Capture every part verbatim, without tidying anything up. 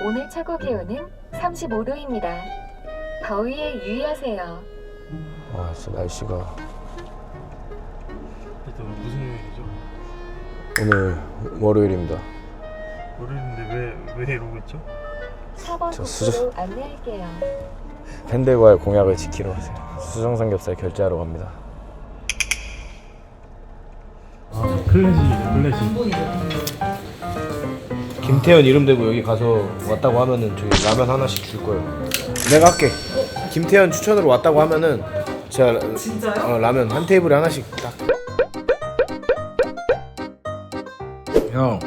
오늘 최고 기온은 삼십오 도입니다. 더위에 유의하세요. 와 진짜 날씨가 일단 무슨 요일이죠? 오늘 월요일입니다. 월요일인데 왜, 왜 이러고 있죠? 사 번 저 국도로 수저- 안내할게요. 팬들과의 공약을 지키러 가세요. 수정삼겹살 결제하러 갑니다. 아 클래식이네 클래식. 김태현 이름 대고 여기 가서 왔다고 하면은 저기 라면 하나씩 줄 거예요. 내가 할게. 김태현 추천으로 왔다고 하면은 제가 진짜요? 어, 라면 한 테이블에 하나씩 딱. 형,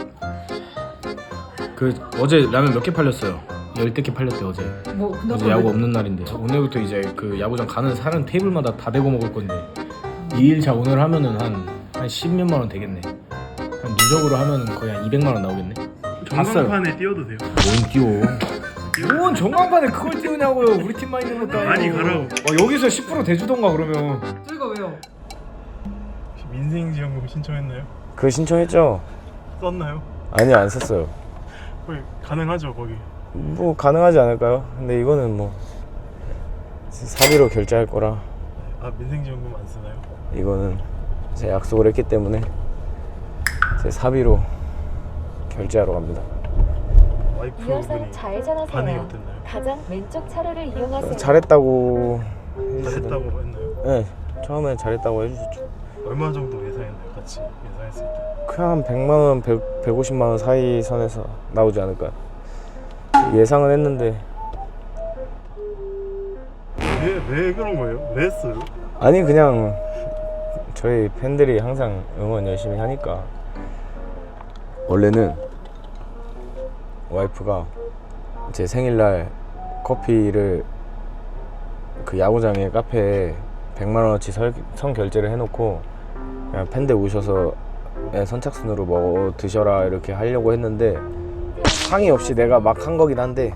그 어제 라면 몇 개 팔렸어요? 열댓 개 팔렸대 어제. 뭐 어제 야구 없는 날인데 오늘부터 이제 그 야구장 가는 사람 테이블마다 다 대고 먹을 건데 이 일차 오늘 하면은 한한 십몇만 원 되겠네. 한 누적으로 하면은 거의 한 이백만 원 나오겠네. 전광판에 띄워도 돼요? 뭔 띄워? 뭔 전광판에 그걸 띄우냐고요? 우리 팀만 있는 것도 아니고. 많이 가라고. 어, 여기서 십 퍼센트 대주던가 그러면. 저희가 왜요? 혹시 민생지원금 신청했나요? 그 신청했죠? 썼나요? 아니요 안 썼어요. 거기 가능하죠 거기? 뭐 가능하지 않을까요? 근데 이거는 뭐 사비로 결제할 거라 아 민생지원금 안 쓰나요? 이거는 제 약속을 했기 때문에 제 사비로 결제하러 갑니다. 와이프분이 이어서 반응이 좌회전하세요. 어땠나요? 가장 왼쪽 차로를 이용하세요. 잘했다고 잘했다고 했나요? 네 처음엔 잘했다고 해주셨죠. 얼마 정도 예상했나요? 같이 예상했을 때? 그냥 한 백만 원, 백, 백오십만 원 사이 선에서 나오지 않을까요? 예상은 했는데 왜, 왜 그런 거예요? 왜 했어요? 아니 그냥 저희 팬들이 항상 응원 열심히 하니까. 원래는 와이프가 제 생일날 커피를 그 야구장에 카페에 백만 원어치 설, 선 결제를 해놓고 그냥 팬들 오셔서 그냥 선착순으로 뭐 드셔라 이렇게 하려고 했는데 상의 없이 내가 막 한 거긴 한데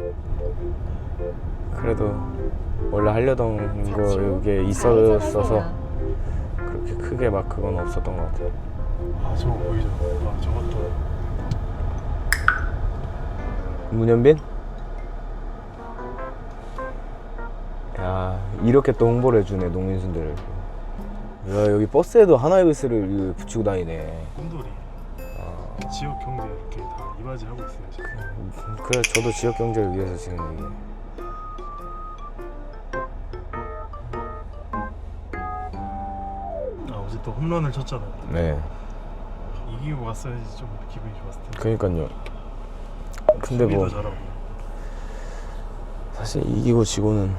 그래도 원래 하려던 거에 있었어서 그렇게 크게 막 그건 없었던 것 같아요. 아 저거 보이죠? 아 저것도 문현빈? 야 이렇게 또 홍보를 해주네 농민순들. 야 여기 버스에도 하나이글스를 붙이고 다니네. 꿈돌이 아, 지역 경제 이렇게 다 이바지하고 있어요 지금. 그래 저도 지역 경제를 위해서 지금 이게. 아 어제 또 홈런을 쳤잖아요. 네 이기고 갔어야지 좀 기분이 좋았을 텐데. 그러니까요. 근데 뭐 수비도 잘하고. 사실 이기고 지고는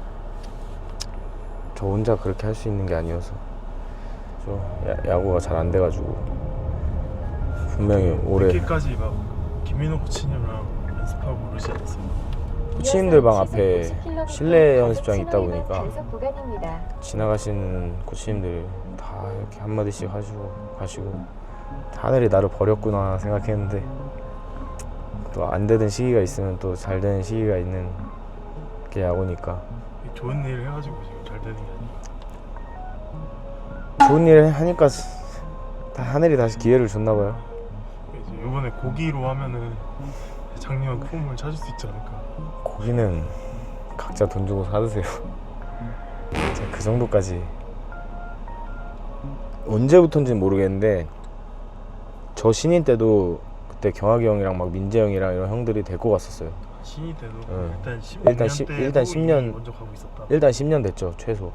저 혼자 그렇게 할 수 있는 게 아니어서 저 야, 야구가 잘 안 돼가지고 분명히 올해 늦게까지 막 김민호 코치님이랑 연습하고 그러지 않았어요? 코치님들 방 앞에 실내 연습장이 있다 보니까 단속 구간입니다. 지나가시는 코치님들 다 이렇게 한마디씩 하시고 가시고 하늘이 나를 버렸구나 생각했는데 또 안 되던 시기가 있으면 또 잘 되는 시기가 있는 게 야구니까. 좋은 일 해가지고 지금 잘 되는 게 아니에요. 좋은 일 하니까 다 하늘이 다시 기회를 줬나 봐요. 이제 이번에 고기로 하면은 작년 폼을 찾을 수 있지 않을까. 고기는 각자 돈 주고 사드세요. 제가 그 정도까지 언제부턴지는 모르겠는데 저 신인 때도 그때 경학이 형이랑 막 민재 형이랑 이런 형들이 데리고 갔었어요. 신이 돼도 응. 일단 십 일단 년 십- 때 일단 십 십 년 먼저 가고 있었다. 일단 십 년 됐죠 최소.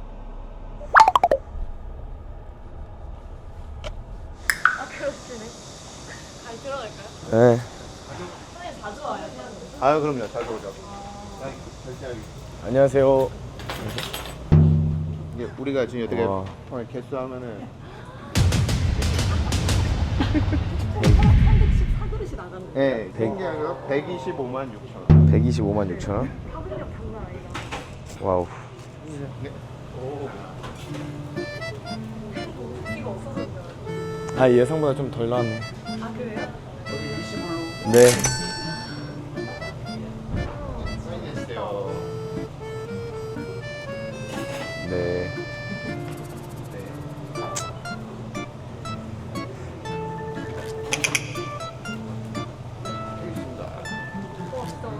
아 그렇지네. 잘 들어갈까요? 네. 선생님 자주 와요, 태양님? 아유 그럼요 잘 보죠. 결제하기. 안녕하세요. 이게 우리가 지금 어떻게 와. 오늘 개수하면은 삼백십사 그릇이 나가는 거예요. 예 생계하가 백이십오만 육천 원. 백이십오만 육천 원. 파급력 장난 아니다. 와우. 이거 없어졌어요. 아 예상보다 좀 덜 나왔네. 아 그래요? 네. 사인해주세요. 네. 알겠습니다. 와 진짜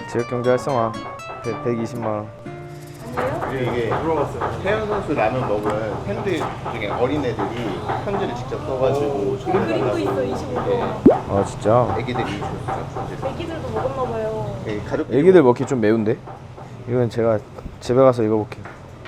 지역경제 활성화 백이십만 원. 그리고 이게 태연 선수 라면 먹은 팬들 중에 어린애들이 편지를 직접 써가지고 그림도 있어 이십오 번. 아 진짜? 애기들이 줬어요. 편지를. 애기들도 먹었나 봐요. 예, 가족 애기들 먹기 좀 매운데? 이건 제가 집에 가서 읽어볼게요.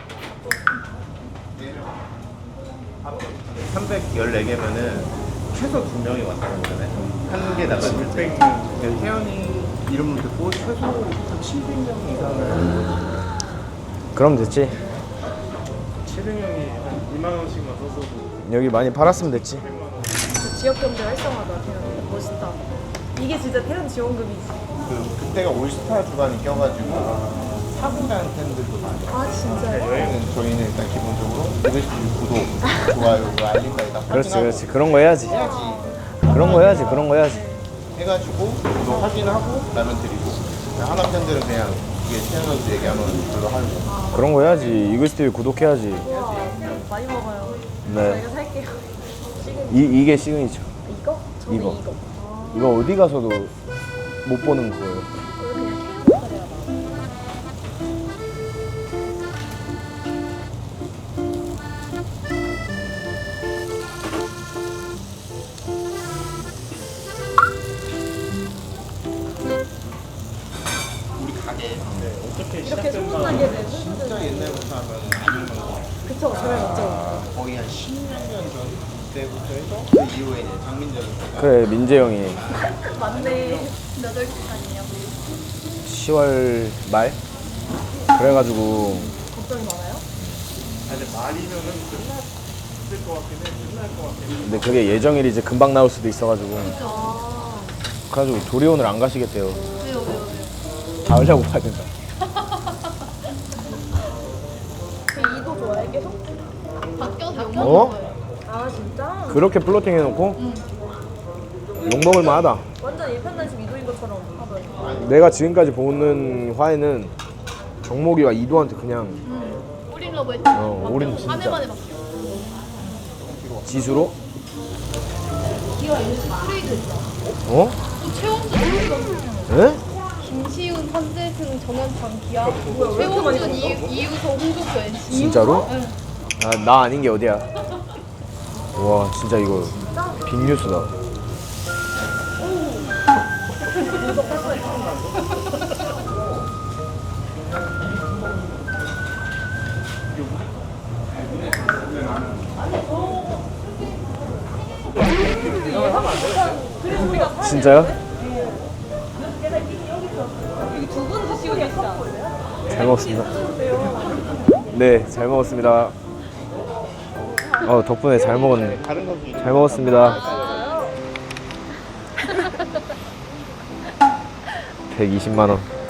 삼백십사 개면은 최소 두 명이 왔다는 거잖아요. 한 개다가 육백 명. 태연이 이름을 듣고 최소 한 칠백 명 이상을. 그럼 됐지. 칠백 명이 한 이만 원씩만 썼어도 여기 많이 팔았으면 됐지. 그 지역 경제 활성화다 태연. 멋있다. 이게 진짜 태연 지원금이지. 그 그때가 올스타 주간이 껴가지고 사고 난 팬들도 많아요. 아 진짜요? 저희는 저희는 일단 기본적으로 유튜브 구독, 좋아요, 그 알림까지 다 그렇지 확인하고 그렇지. 그런 거 해야지. 해야지. 그런 거 해야지. 그런 거 해야지. 해가지고 구독 확인하고 라면 드리고 하나 팬들은 그냥 이게 태연 선수 얘기하면 별로 하고. 그런 거 해야지. 이글스티비 구독해야지. 우와 많이 먹어요. 네. 저희가 살게요. 이 이게 시그니처. 이거? 저는 이거. 이거. 이거 어디 가서도 못 보는 거예요. 이거 그냥 태연 색깔이야 나. 우리 가게 이렇게 소문나게 된 진짜 옛날부터 하면 아는 거 그쵸 저를 맞죠. 거의 한 십몇 년 전 때부터 해서 그 이후에 이제 장민정 선수가 그래 민재 형이 맞네. 몇 월 기간이냐. 시월 말 그래가지고 걱정이 많아요? 아니 말이면은 끝났을 것 같긴 해. 끝날 것 같긴 해. 근데 그게 예정일이 이제 금방 나올 수도 있어가지고 아 그래가지고 도리 오늘 안 가시겠대요. 왜요 왜요 왜요? 가을야구 봐야 된다. 그 이도 좋아해 계속? 어? 아 진짜? 그렇게 플로팅 해놓고 욕먹을 만하다. 완전 일편단심 이도인 것처럼 하더라고. 내가 지금까지 보는 화에는 정목이와 이도한테 그냥 올인 러브 했지. 어, 올인 한 진짜. 해만에 바뀌어. 지수로 기가 이렇게 트레이드 했어. 어? 또 최원준 이거 에? 김시훈, 한재승, 정현창, 기아, 뭐야, 왜 이렇게 많이 최원준, 이, 이우서, 홍종표, 엔씨. 진짜로? 아, 나 아닌 게 어디야? 와 진짜 이거 빅뉴스다. 진짜요? 두분 드시고 계시죠? 잘 먹었습니다. 네, 잘 먹었습니다. 어, 덕분에 잘 먹었네. 다른 선수 잘 먹었습니다. 백이십만 원.